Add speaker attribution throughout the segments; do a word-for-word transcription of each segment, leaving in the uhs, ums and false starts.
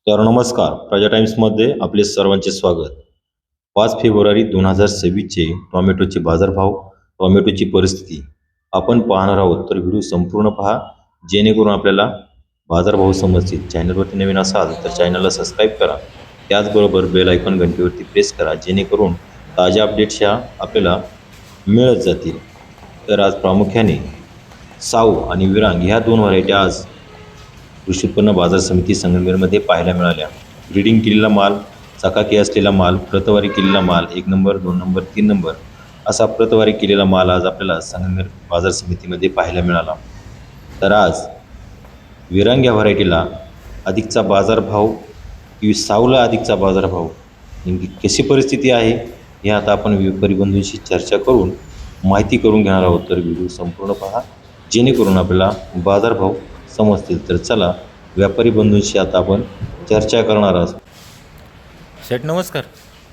Speaker 1: तर नमस्कार, प्रजा टाइम्समध्ये आपले सर्वांचे स्वागत. पाच फेब्रुवारी दोन हजार सव्वीसचे टोमॅटोचे बाजारभाव, टोमॅटोची परिस्थिती आपण पाहणार आहोत. तर व्हिडिओ संपूर्ण पहा, जेणेकरून आपल्याला बाजारभाव समजतील. चॅनलवरती नवीन असाल तर चॅनलला सबस्क्राईब करा. त्याचबरोबर बेल आयकॉन घंटीवरती प्रेस करा, जेणेकरून ताज्या अपडेट्स ह्या आपल्याला मिळत जातील. तर आज प्रामुख्याने साऊ आणि विरांग ह्या दोन व्हरायटी आज कृषी उत्पन्न बाजार समिती संगमनेरमध्ये पाहायला मिळाल्या. ग्रेडिंग केलेला माल, चकाकी असलेला माल, प्रतवारी केलेला माल, एक नंबर, दोन नंबर, तीन नंबर असा प्रतवारी केलेला माल आज आपल्याला संगमनेर बाजार समितीमध्ये पाहायला मिळाला. तर आज विरांग या व्हरायटीला अधिकचा बाजारभाव की साऊला अधिकचा बाजारभाव, नेमकी कशी परिस्थिती आहे हे आता आपण व्यापारी बंधूंशी चर्चा करून माहिती करून घेणार आहोत. तर व्हिडिओ संपूर्ण पहा, जेणेकरून आपल्याला बाजारभाव समजतील. तर चला व्यापारी बंधूंशी आता आपण चर्चा करणार आहोत.
Speaker 2: शेठ नमस्कार.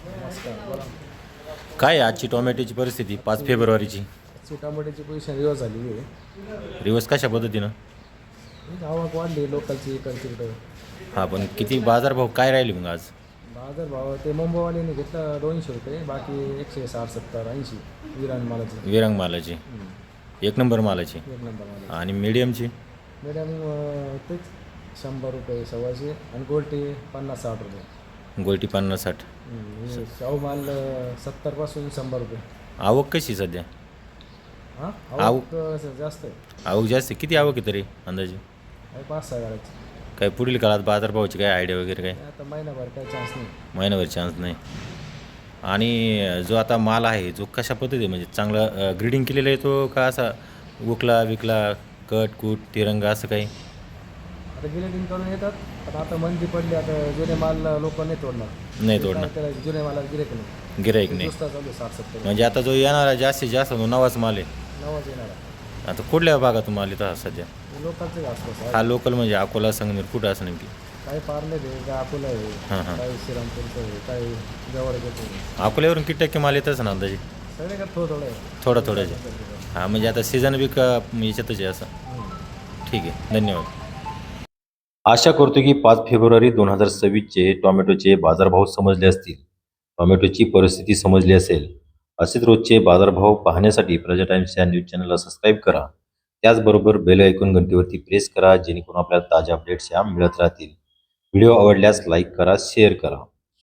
Speaker 2: काय आहे आजची टोमॅटोची परिस्थिती पाच फेब्रुवारीची?
Speaker 3: आजची टमाट्याची पोझिशन रिवर्स झालेली आहे.
Speaker 2: रिवर्स कशा पद्धतीनं?
Speaker 3: आवक वाढली लोकलची इकडची इकडं.
Speaker 2: हां, पण किती बाजारभाव काय राहिले मग आज?
Speaker 3: बाजार भाव ते मुंबईवाल्याने घेतलं दोनशे रुपये, बाकी एकशे साठ सत्तर ऐंशी विरान मालाची.
Speaker 2: विरांग मालाची, एक नंबर मालाची.
Speaker 3: एक नंबर मालाची.
Speaker 2: आणि मीडियमची?
Speaker 3: मॅडम तेच शंभर रुपये सव्वाशे आणि गोल्टी पन्नास साठ रुपये.
Speaker 2: गोल्टी पन्नास साठ.
Speaker 3: हम्म, शाहू माल सत्तरपासून शंभर रुपये.
Speaker 2: आवक कशी सध्या?
Speaker 3: हां
Speaker 2: आवक-
Speaker 3: आवक जास्त आहे.
Speaker 2: आवक जास्त आहे. किती आवक आहे तरी अंदाजे?
Speaker 3: आहे पाच सहा गाड्याची.
Speaker 2: काय पुढील काळात बाजारभावाची काय आयडिया वगैरे काय?
Speaker 3: आता महिनाभर काही चान्स नाही.
Speaker 2: महिनाभर चान्स नाही. आणि जो आता माल आहे जो कशा पद्धती म्हणजे चांगला ग्रीडिंग केलेला आहे तो का असा उकला विकला कट कूट तिरंगा असं काही?
Speaker 3: आता गिलेटिंग करून येतात, पण आता मंदी पडली, आता जुने माल लोक नाही तोडणार.
Speaker 2: नाही तोडणार.
Speaker 3: काय करायचं, जुने मालाला गिरेक नाही.
Speaker 2: गिराईक नाही.
Speaker 3: दुसरा चालू आहे साठ सत्तर
Speaker 2: म्हणजे आता जो येणारा जास्तीत जास्त तो नवाच माल आहे.
Speaker 3: नवाच येणार.
Speaker 2: आता कुठल्या भागातून माल येतो हा सध्या?
Speaker 3: लोकांचं आसपास आहे.
Speaker 2: हा लोकल म्हणजे अकोला संगमेर कुठं असं नेमकी?
Speaker 3: काही पार्ले आहे, काय अकोला आहे,
Speaker 2: हां हां.
Speaker 3: काही श्रीरामपूरचं आहे, काही जवळचं आहे.
Speaker 2: अकोल्यावरून किती टक्के माल येतच ना अंदाजे?
Speaker 3: सगळे का थोडं थोडं आहे.
Speaker 2: थोडा थोड्याचे. हां, म्हणजे आता सीझन बी का याच्यातच आहे असं? ठीक आहे, धन्यवाद.
Speaker 1: आशा करतो की पाच फेब्रुवारी दोन हजार सव्वीसचे टोमॅटोचे बाजारभाव समजले असतील, टोमॅटोची परिस्थिती समजली असेल. असेच रोजचे बाजारभाव पाहण्यासाठी प्रजा टाइम्स या न्यूज चॅनलला सबस्क्राईब करा. त्याचबरोबर बेल आयकॉन घंटीवरती प्रेस करा, जेणेकरून आपल्याला ताज्या अपडेट्स या मिळत राहतील. व्हिडिओ आवडल्यास लाईक करा, शेअर करा.